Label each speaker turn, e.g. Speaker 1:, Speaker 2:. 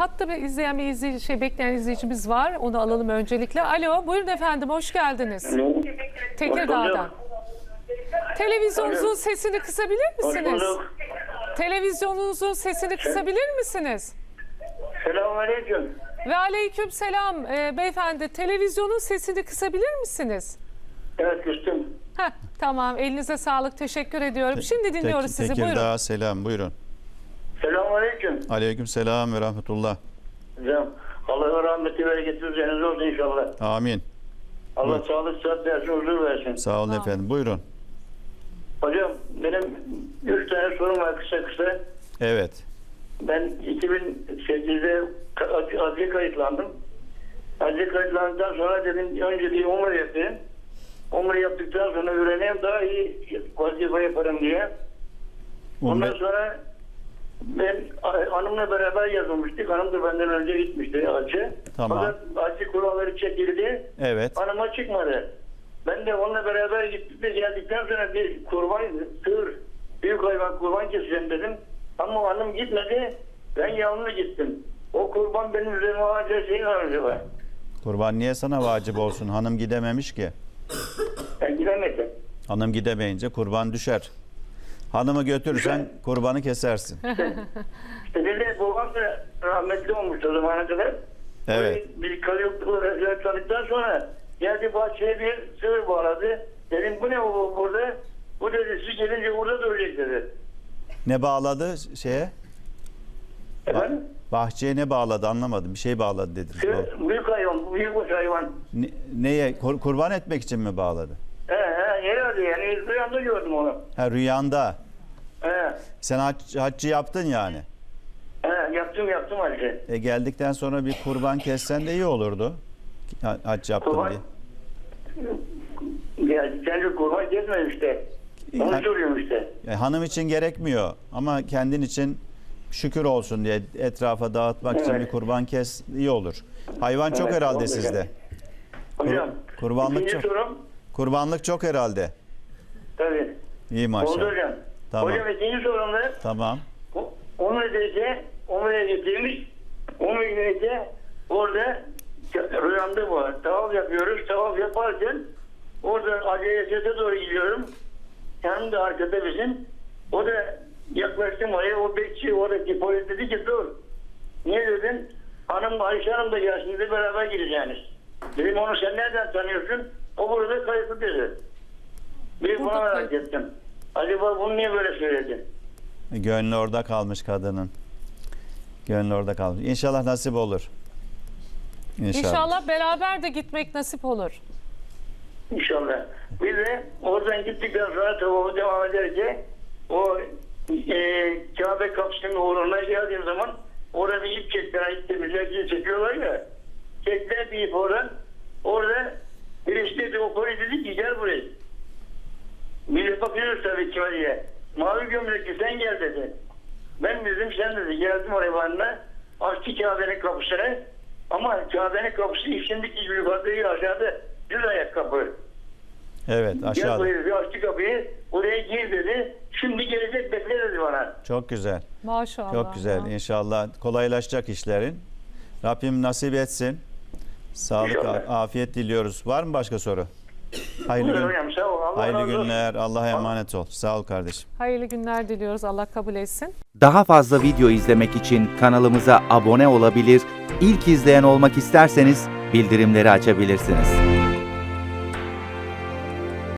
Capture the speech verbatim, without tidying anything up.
Speaker 1: Hatta bir izleyen bir izleyici, şey bekleyen izleyicimiz var. Onu alalım öncelikle. Alo, buyurun efendim, hoş geldiniz.
Speaker 2: Alo.
Speaker 1: Tekirdağ'dan. Televizyonunuzun
Speaker 2: Alo.
Speaker 1: sesini kısabilir
Speaker 2: Hoş
Speaker 1: misiniz?
Speaker 2: bulduk.
Speaker 1: Televizyonunuzun sesini kısabilir misiniz?
Speaker 2: Selamünaleyküm.
Speaker 1: Ve aleyküm selam e, beyefendi. Televizyonun sesini kısabilir misiniz?
Speaker 2: Evet, küstüm.
Speaker 1: Heh, tamam, elinize sağlık, teşekkür ediyorum. Şimdi dinliyoruz
Speaker 3: Tek-
Speaker 1: sizi,
Speaker 3: Tekirdağ
Speaker 1: buyurun.
Speaker 3: selam, buyurun.
Speaker 2: Selamünaleyküm.
Speaker 3: Aleyküm selam ve rahmetullah.
Speaker 2: Hocam, Allah'a rahmeti bereketi üzerinize olsun inşallah.
Speaker 3: Amin.
Speaker 2: Allah
Speaker 3: Buyur.
Speaker 2: sağlık, sıhhat versin, huzur versin.
Speaker 3: Sağ olun
Speaker 1: Amin.
Speaker 3: efendim. Buyurun.
Speaker 2: Hocam, benim üç tane sorum var kısa kısa.
Speaker 3: Evet.
Speaker 2: Ben iki bin sekizde adliye kayıtlandım. Adliye kayıtlandıktan sonra dedim önce bir umre yapayım. Umre yaptıktan sonra öğreneyim, daha iyi vazife yaparım diye. Ondan
Speaker 3: Umre,
Speaker 2: sonra ben hanımla beraber yazılmıştık. Hanım da benden önce gitmişti hacı.
Speaker 3: Tamam.
Speaker 2: Fakat hacı kuralları çekildi.
Speaker 3: evet.
Speaker 2: Hanıma çıkmadı. Ben de onunla beraber gittik de geldikten sonra bir kurban, sığır, büyük hayvan kurban keseceğim dedim. Ama hanım gitmedi. Ben yalnız gittim. O kurban benim üzerime ağaca şey var acaba.
Speaker 3: Kurban niye sana vacip olsun? Hanım gidememiş ki.
Speaker 2: Ben gidemedim.
Speaker 3: Hanım gidemeyince kurban düşer. Hanımı götürürsen kurbanı kesersin.
Speaker 2: İşte bir de babam da rahmetli olmuştu o zamana kadar.
Speaker 3: Evet.
Speaker 2: Bir kalıyokluğu rezil tanıdıktan sonra geldi bahçeye bir sığır bağladı. Dedim bu ne bu burada? Bu dedi siz gelince burada duracak dedi.
Speaker 3: Ne bağladı şeye?
Speaker 2: Efendim?
Speaker 3: Bahçeye ne bağladı anlamadım. Bir şey bağladı dediniz.
Speaker 2: Sığır, büyük hayvan, büyük bir hayvan.
Speaker 3: Ne- neye? Kur- kurban etmek için mi bağladı?
Speaker 2: He he herhalde yani rüyamda gördüm onu.
Speaker 3: Ha rüyanda.
Speaker 2: He
Speaker 3: Sen hac, haccı yaptın yani.
Speaker 2: he yaptım yaptım halde.
Speaker 3: E geldikten sonra bir kurban kessen de iyi olurdu. Ha- Hac yaptım
Speaker 2: Kurban-
Speaker 3: diye.
Speaker 2: Ya kendi kurban kesmedim işte. Onu
Speaker 3: Yani-
Speaker 2: soruyorum işte.
Speaker 3: E, hanım için gerekmiyor ama kendin için şükür olsun diye etrafa dağıtmak için
Speaker 2: Evet.
Speaker 3: bir kurban kes iyi olur. Hayvan çok
Speaker 2: Evet,
Speaker 3: herhalde
Speaker 2: oldu
Speaker 3: sizde.
Speaker 2: yani. Hocam,
Speaker 3: kurbanlık
Speaker 2: ikinci
Speaker 3: çok.
Speaker 2: sorum,
Speaker 3: Kurbanlık çok herhalde.
Speaker 2: tabii.
Speaker 3: İyi
Speaker 2: Oldu
Speaker 3: maşallah.
Speaker 2: hocam.
Speaker 3: Tamam.
Speaker 2: Hocam ikinci sorumda
Speaker 3: Tamam.
Speaker 2: Umre'deyse, Umre'ye getirmiş. Umre'deyse orada rüyamda bu. Tavaf yapıyoruz. Tavaf yaparken orada Aceyesete doğru gidiyorum. Yanımda arkada bizim. O da yaklaştım oraya. O bekçi oradaki polis dedi ki dur. Niye dedim? Hanım Ayşe Hanım da gelsin dedi beraber gideceğiniz. Dedim onu sen nereden tanıyorsun? O burada kayıtlı dedi. Bir buna
Speaker 1: Burada
Speaker 2: merak
Speaker 1: kayıt-
Speaker 2: ettim. Acaba bunu niye böyle söyledi?
Speaker 3: E, Gönlü orada kalmış kadının. Gönlü orada kalmış. İnşallah nasip olur. İnşallah.
Speaker 1: İnşallah beraber de gitmek nasip olur.
Speaker 2: İnşallah. Bir de oradan gittikten sonra tavafı devam ederken o e, Kabe kapısının uğruna geldiğim zaman orada bir ip çektiler. İp temizlerken çekiyorlar ya. Çektiler bir ip oradan. Orada birisi dedi o polis dedi ki gel buraya. Millet bakıyoruz tabii kime diye. Mavi gömlekli sen gel dedi. Ben dedim sen dedi. Geldim oraya bana. Açtı Kabe'nin kapısını. Ama Kabe'nin kapısı içindeki gibi yukarıda değil aşağıda. Düz ayak kapı.
Speaker 3: Evet
Speaker 2: Gel
Speaker 3: aşağıda.
Speaker 2: buraya bir açtı kapıyı. Oraya gir dedi. Şimdi gelecek bekle dedi bana.
Speaker 3: Çok güzel.
Speaker 1: Maşallah.
Speaker 3: Çok güzel. İnşallah kolaylaşacak işlerin. Rabbim nasip etsin. Sağlık,
Speaker 2: İnşallah.
Speaker 3: afiyet diliyoruz. Var mı başka soru? Hayırlı,
Speaker 2: Buyurun
Speaker 3: gün,
Speaker 2: hocam sağ ol. Allah
Speaker 3: hayırlı
Speaker 2: razı olsun.
Speaker 3: günler. Allah'a emanet ol. Sağ ol kardeşim.
Speaker 1: Hayırlı günler diliyoruz. Allah kabul etsin.
Speaker 4: Daha fazla video izlemek için kanalımıza abone olabilir, ilk izleyen olmak isterseniz bildirimleri açabilirsiniz.